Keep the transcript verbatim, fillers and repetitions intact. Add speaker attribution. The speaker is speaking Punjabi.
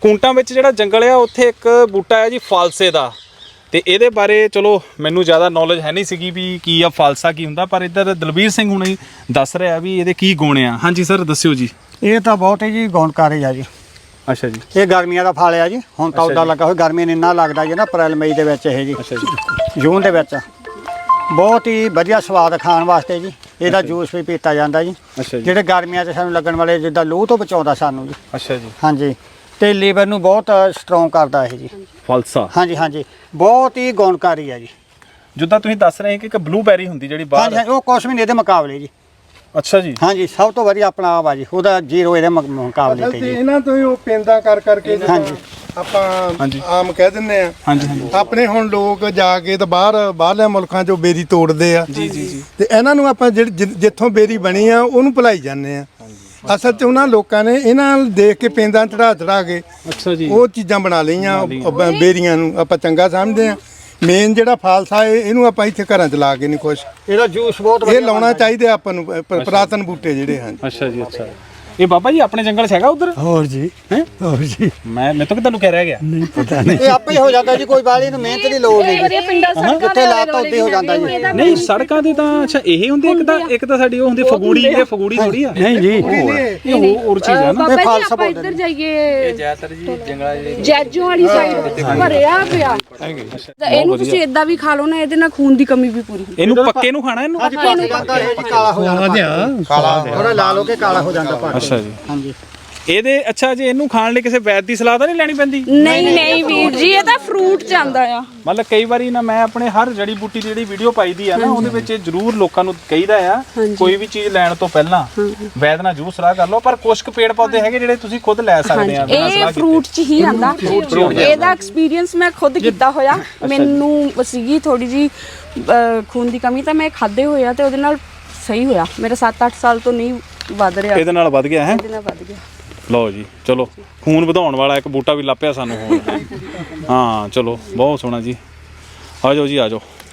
Speaker 1: ਕੂੰਟਾਂ ਵਿੱਚ ਜਿਹੜਾ ਜੰਗਲ ਆ ਉੱਥੇ ਇੱਕ ਬੂਟਾ ਹੈ ਜੀ ਫਾਲਸੇ ਦਾ, ਤੇ ਇਹਦੇ ਬਾਰੇ ਚਲੋ ਮੈਨੂੰ ਜ਼ਿਆਦਾ ਨੌਲੇਜ ਹੈ ਨਹੀਂ ਸੀਗੀ ਵੀ ਕੀ ਆ ਫਾਲਸਾ ਕੀ ਹੁੰਦਾ, ਪਰ ਇੱਧਰ ਦਲਬੀਰ ਸਿੰਘ ਹੁਣੇ ਦੱਸ ਰਿਹਾ ਵੀ ਇਹਦੇ ਕੀ ਗੁਣ ਆ। ਹਾਂਜੀ ਸਰ ਦੱਸਿਓ ਜੀ।
Speaker 2: ਇਹ ਤਾਂ ਬਹੁਤ ਹੀ ਜੀ ਗੁਣਕਾਰੀ ਆ ਜੀ।
Speaker 1: ਅੱਛਾ ਜੀ।
Speaker 2: ਇਹ ਗਰਮੀਆਂ ਦਾ ਫਲ ਆ ਜੀ, ਹੁਣ ਤਾਂ ਉੱਦਾਂ ਲੱਗਾ ਹੋਇਆ, ਗਰਮੀ ਨੇ ਇੰਨਾ ਲੱਗਦਾ ਜੀ ਨਾ ਅਪ੍ਰੈਲ ਮਈ ਦੇ ਵਿੱਚ ਇਹ ਜੀ।
Speaker 1: ਅੱਛਾ ਜੀ।
Speaker 2: ਜੂਨ ਦੇ ਵਿੱਚ ਬਹੁਤ ਹੀ ਵਧੀਆ ਸਵਾਦ ਖਾਣ ਵਾਸਤੇ ਜੀ। ਇਹਦਾ ਜੂਸ ਵੀ ਪੀਤਾ ਜਾਂਦਾ ਜੀ।
Speaker 1: ਅੱਛਾ ਜੀ।
Speaker 2: ਜਿਹੜੇ ਗਰਮੀਆਂ 'ਚ ਸਾਨੂੰ ਲੱਗਣ ਵਾਲੇ ਜਿੱਦਾਂ ਲੂਹ ਤੋਂ ਬਚਾਉਂਦਾ ਸਾਨੂੰ ਜੀ।
Speaker 1: ਅੱਛਾ ਜੀ।
Speaker 2: ਹਾਂਜੀ, ਤੇ ਲੀਵਰ ਨੂੰ ਬਹੁਤ ਸਟਰੋਂਗ ਕਰਦਾ ਇਹ ਜੀ
Speaker 1: ਫਾਲਸਾ।
Speaker 2: ਹਾਂਜੀ ਹਾਂਜੀ, ਬਹੁਤ ਹੀ ਗੁਣਕਾਰੀ ਆ ਜੀ।
Speaker 1: ਜਿੱਦਾਂ ਤੁਸੀਂ ਦੱਸ ਰਹੇ ਕਿ ਇੱਕ ਬਲੂਬੈਰੀ ਹੁੰਦੀ ਜਿਹੜੀ ਬਾਹਰ।
Speaker 2: ਹਾਂਜੀ, ਉਹ ਕੁਛ ਵੀ ਨਹੀਂ ਇਹਦੇ ਮੁਕਾਬਲੇ ਜੀ।
Speaker 1: ਅੱਛਾ ਜੀ।
Speaker 2: ਹਾਂਜੀ, ਸਭ ਤੋਂ ਵਧੀਆ ਆਪਣਾ ਆਪ ਆ ਜੀ, ਉਹਦਾ ਜ਼ੀਰੋ ਇਹਦੇ ਮੁਕ- ਮੁਕਾਬਲੇ ਤੇ ਜੀ।
Speaker 3: ਇਹਨਾਂ ਤੋਂ ਹੀ ਉਹ ਪੈਂਦਾ ਕਰ ਕਰਕੇ
Speaker 2: ਹਾਂਜੀ
Speaker 3: ਆਪਾਂ
Speaker 1: ਹਾਂਜੀ।
Speaker 3: ਆਮ ਕਹਿ ਦਿੰਨੇ ਆ।
Speaker 1: ਹਾਂਜੀ ਹਾਂਜੀ।
Speaker 3: ਆਪਣੇ ਹੁਣ ਲੋਕ ਜਾ ਕੇ ਤਾਂ ਬਾਹਰ ਬਾਹਰਲੇ ਮੁਲਕਾਂ 'ਚੋਂ ਬੇਰੀ ਤੋੜਦੇ ਆ।
Speaker 1: ਜੀ ਜੀ ਜੀ।
Speaker 3: ਤੇ ਇਹਨਾਂ ਨੂੰ ਆਪਾਂ ਜਿਹੜੀ ਜਿ- ਜਿੱਥੋਂ ਬੇਰੀ ਬਣੀ ਆ ਉਹਨੂੰ ਭੁਲਾਈ ਜਾਂਦੇ ਆ। ਅਸਲ 'ਚ ਉਹਨਾਂ ਲੋਕਾਂ ਨੇ ਇਹਨਾਂ ਨੂੰ ਦੇਖ ਕੇ ਪੈਂਦਾ ਚੜਾ ਚੜਾ ਕੇ
Speaker 1: ਅੱਛਾ ਜੀ।
Speaker 3: ਉਹ ਚੀਜ਼ਾਂ ਬਣਾ ਲਈਆਂ। ਉਹ ਬ- ਬੇਰੀਆਂ ਨੂੰ ਆਪਾਂ ਚੰਗਾ ਸਮਝਦੇ ਆ। ਮੇਨ ਜਿਹੜਾ ਫਾਲਸਾ ਇਹ ਇਹਨੂੰ ਆਪਾਂ ਇੱਥੇ ਘਰਾਂ 'ਚ ਲਾ ਕੇ ਨਹੀਂ ਖੁਸ਼।
Speaker 2: ਇਹਦਾ ਜੂਸ ਬਹੁਤ
Speaker 3: ਇਹ
Speaker 2: ਵਧੀਆ
Speaker 3: ਲਾਉਣਾ ਚਾਹੀਦਾ ਆਪਾਂ ਨੂੰ, ਪ- ਪੁਰਾਤਨ ਬੂਟੇ ਜਿਹੜੇ ਹਨ।
Speaker 1: ਅੱਛਾ ਜੀ। ਅੱਛਾ, ਇਹ ਬਾਬਾ ਜੀ ਆਪਣੇ ਜੰਗਲ 'ਚ ਹੈਗਾ ਉਧਰ?
Speaker 2: ਹੋਰ ਜੀ।
Speaker 1: ਹੈ
Speaker 2: ਹੋਰ ਜੀ,
Speaker 1: ਮੈਂ ਮੈਂ ਤਾਂ ਤੁਹਾਨੂੰ ਕਹਿ ਰਿਹਾ ਗਿਆ।
Speaker 2: ਨਹੀਂ ਪਤਾ ਨਹੀਂ, ਇਹ ਆਪੇ ਹੀ ਹੋ ਜਾਂਦਾ ਜੀ, ਕੋਈ ਬਾਲੀ ਨੂੰ ਮਿਹਨਤ ਦੀ ਲੋੜ ਨਹੀਂ ਜੀ। ਕਿੱਥੇ ਲਾਤਾ ਉੱਤੇ ਹੋ ਜਾਂਦਾ ਜੀ।
Speaker 1: ਨਹੀਂ ਸੜਕਾਂ ਤੇ ਤਾਂ ਅੱਛਾ ਇਹ ਹੁੰਦੀ ਇੱਕ ਤਾਂ ਇੱਕ ਤਾਂ ਸਾਡੀ ਉਹ ਹੁੰਦੀ ਫਗੂੜੀ, ਇਹ ਫਗੂੜੀ ਥੋੜੀ ਆ।
Speaker 2: ਨਹੀਂ ਜੀ,
Speaker 1: ਇਹ ਹੋਰ ਹੋਰ ਚੀਜ਼ ਆ ਨਾ।
Speaker 4: ਬਾਬਾ ਜੀ
Speaker 2: ਫਾਲਸਾ
Speaker 4: ਆਪਾਂ
Speaker 2: ਬੋਲਦੇ
Speaker 4: ਇੱਧਰ ਜਾਈਏ, ਇਹ ਜ਼ਿਆਦਾਤਰ ਜੀ ਜੰਗਲਾਂ ਦੇ ਜੈਜੋ ਵਾਲੀ ਸਾਈਡ ਭਰਿਆ ਪਿਆ। ਇਹਨੂੰ ਤੁਸੀਂ ਇਦਾਂ ਵੀ ਖਾ ਲਓ ਨਾ, ਇਹਦੇ ਨਾਲ ਖੂਨ ਦੀ ਕਮੀ ਵੀ ਪੂਰੀ ਹੁੰਦੀ।
Speaker 1: ਇਹਨੂੰ ਪੱਕੇ ਨੂੰ ਖਾਣਾ ਇਹਨੂੰ?
Speaker 2: ਹਾਂਜੀ ਪੱਕ ਜਾਂਦਾ ਇਹ ਜੀ, ਕਾਲਾ ਹੋ ਜਾਂਦਾ, ਕਾਲਾ ਥੋੜਾ ਲਾਲ ਹੋ ਕੇ ਕਾਲਾ ਹੋ ਜਾਂਦਾ ਪੱਕ।
Speaker 1: ਅੱਛਾ ਜੀ।
Speaker 2: ਹਾਂਜੀ।
Speaker 1: ਇਹਦੇ ਅੱਛਾ ਜੀ, ਇਹਨੂੰ ਖਾਣ ਲਈ ਕਿਸੇ ਵੈਦ ਦੀ ਸਲਾਹ ਤਾਂ ਨਹੀਂ ਲੈਣੀ ਪੈਂਦੀ?
Speaker 4: ਨਹੀਂ ਨਹੀਂ ਵੀਰ ਜੀ, ਇਹ ਤਾਂ ਫਰੂਟ ਚ ਆਂਦਾ ਆ।
Speaker 1: ਮਤਲਬ ਕਈ ਵਾਰੀ ਨਾ ਮੈਂ ਆਪਣੇ ਹਰ ਜੜੀ ਬੂਟੀ ਦੀ ਜਿਹੜੀ ਵੀਡੀਓ ਪਾਈਦੀ ਆ ਨਾ ਉਹਦੇ ਵਿੱਚ ਇਹ ਜ਼ਰੂਰ ਲੋਕਾਂ ਨੂੰ ਕਹੀਦਾ ਆ ਕੋਈ ਵੀ ਚੀਜ਼ ਲੈਣ ਤੋਂ ਪਹਿਲਾਂ ਵੈਦ ਨਾਲ ਜ਼ਰੂਰ ਸਲਾਹ ਕਰ ਲਓ। ਪਰ ਕੁਝ ਕੁ ਪੇੜ ਪੌਦੇ ਹੈਗੇ ਜਿਹੜੇ ਤੁਸੀਂ ਖੁਦ ਲੈ ਸਕਦੇ ਆ ਬਿਨਾਂ
Speaker 4: ਇਹ
Speaker 1: ਸਲਾਹ
Speaker 4: ਫਰੂਟ ਚ ਹੀ ਆਂਦਾ। ਇਹਦਾ ਐਕਸਪੀਰੀਅੰਸ ਮੈਂ ਖੁਦ ਕੀਤਾ ਹੋਇਆ। ਮੈਨੂੰ ਸੀਗੀ ਥੋੜੀ ਜੀ ਖੂਨ ਦੀ ਕਮੀ, ਤਾਂ ਮੈਂ ਖਾਦੇ ਹੋਇਆ ਤੇ ਉਹਦੇ ਨਾਲ ਸਹੀ ਹੋਇਆ। ਮੇਰਾ ਸੱਤ ਅੱਠ ਸਾਲ ਤੋਂ ਨਹੀਂ ਵੱਧ ਰਿਹਾ,
Speaker 1: ਇਹਦੇ ਨਾਲ ਵੱਧ ਗਿਆ ਹੈ।
Speaker 4: ਇਹਦੇ ਨਾਲ ਵੱਧ ਗਿਆ।
Speaker 1: ਲਓ ਜੀ, ਚਲੋ ਖੂਨ ਵਧਾਉਣ ਵਾਲਾ ਇੱਕ ਬੂਟਾ ਵੀ ਲੱਭਿਆ ਸਾਨੂੰ ਹੁਣ। ਹਾਂ ਚਲੋ, ਬਹੁਤ ਸੋਹਣਾ ਜੀ। ਆ ਜਾਓ ਜੀ, ਆ ਜਾਓ।